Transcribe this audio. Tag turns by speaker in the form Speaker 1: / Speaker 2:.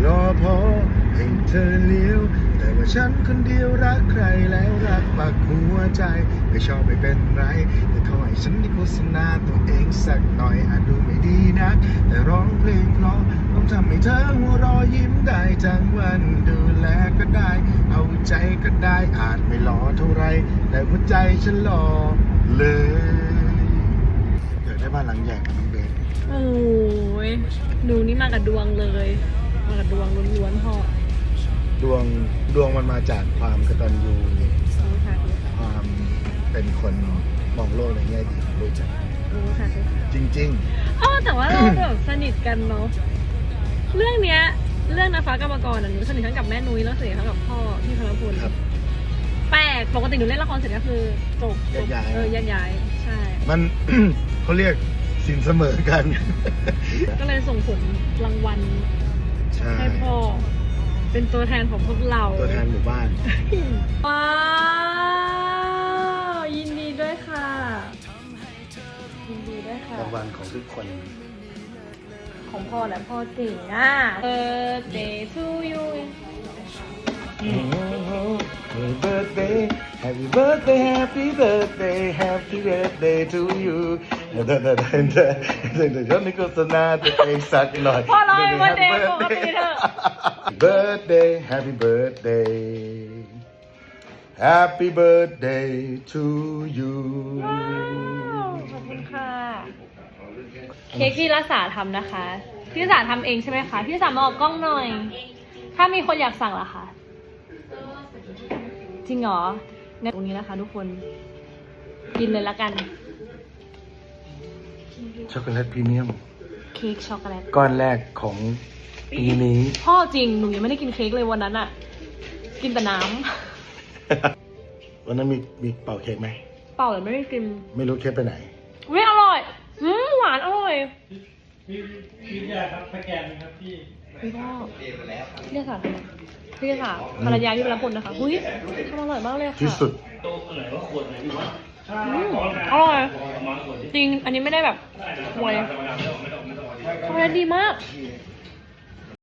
Speaker 1: รอพอให้เธอเลี้ยวแต่ว่าฉันคนเดียวรักใครแล้วรักปักหัวใจไม่ชอบไม่เป็นไรแต่ขอให้ฉันได้โฆษณาตัวเองสักหน่อยอาจดูไม่ดีนักแต่ร้องเพลงเพราะต้องทำให้เธอหัวเรอยิ้มได้ทั้งวันดูแลก็ได้เอาใจก็ได้อาจไม่หล่อเท่าไรแต่หัวใจฉันหล่อเลยอยากได้บ้านหลังใหญ่กับน้องเบส
Speaker 2: โอ้ยหนูนี่มากับดวงเลยมากับดวงล้วนๆพ่อ
Speaker 1: ดวงมันมาจากความกตัญญู
Speaker 2: รู้ค่ะ
Speaker 1: ความเป็นคนมองโลกในแง่ดีของลูกจ้ะ
Speaker 2: รู้ค่ะ
Speaker 1: จริง
Speaker 2: แต่ว่าเราแบบสนิทกันเนาะเรื่องเนี้ยเรื่องนะฟ้ากรรมกรหนูสนิททั้งกับแม่นุ้ยแล้วสนิททั้งกับพ่อพี่พลพล
Speaker 1: ๆ ครับ
Speaker 2: แปลกปกติหนูเล่นละครเสร็จก็คือจบ
Speaker 1: แยกย้าย
Speaker 2: แยกย้ายใช่
Speaker 1: มัน เขาเรียกสินเสมอกัน
Speaker 2: ก็เลยส่งผลรางวัล
Speaker 1: ใช่
Speaker 2: ให้พ่อเป็นตัวแทนของพวกเรา
Speaker 1: ตัวแทนหมู่บ้าน
Speaker 2: ว้าวยินดีด้วยค่ะยินดีด้วยค่ะ
Speaker 1: รางวัลของทุกคน
Speaker 2: ของพ่อและพ่อเก่งอ่ะ Birthday to you
Speaker 1: Happy birthday Happy birthday Happy birthday Happy birthday to you เดี๋ยวนี้โฆษณาตัวเองสักหน่อย
Speaker 2: พ่อร้องให้ birthday ปกติเถอะ
Speaker 1: Birthday Happy birthday Happy birthday to you
Speaker 2: ขอบคุณค่ะ เค้กที่รักษาทำนะคะ พี่รักษาทำเองใช่ไหมคะ พี่รักษามาออกกล้องหน่อย ถ้ามีคนอยากสั่งล่ะคะจริงเหรอในตรงนี้นะคะทุกคน กินเลยละกัน
Speaker 1: ช็อกโกแลตพรีเมียม
Speaker 2: เค้กช็อกโกแลต
Speaker 1: ก้อนแรกของปีนี้
Speaker 2: พ่อจริง หนูยังไม่ได้กินเค้กเลยวันนั้นอะกินแต่น้ำ
Speaker 1: วันนั้นมีเป่าเค้กไหม
Speaker 2: เปล่าเลยไม่ได้กิน
Speaker 1: ไม่รู้เค้กไปไหน
Speaker 2: วิอร่อยหวานอร่อย
Speaker 3: พี่ยาครับสแกนครับพี่
Speaker 2: พี่พ่อพี่จะสั่งพี่จะสั่งภรรยาพี่ประพลนะคะหุ้ยทำอร่อยมากเลยค่ะ
Speaker 1: ที่สุด
Speaker 3: โต๊ะไหนว่าขวดไหนวะ
Speaker 2: อร่อยจริงอันนี้ไม่ได้แบบหวยช็อกโกแลตดีมาก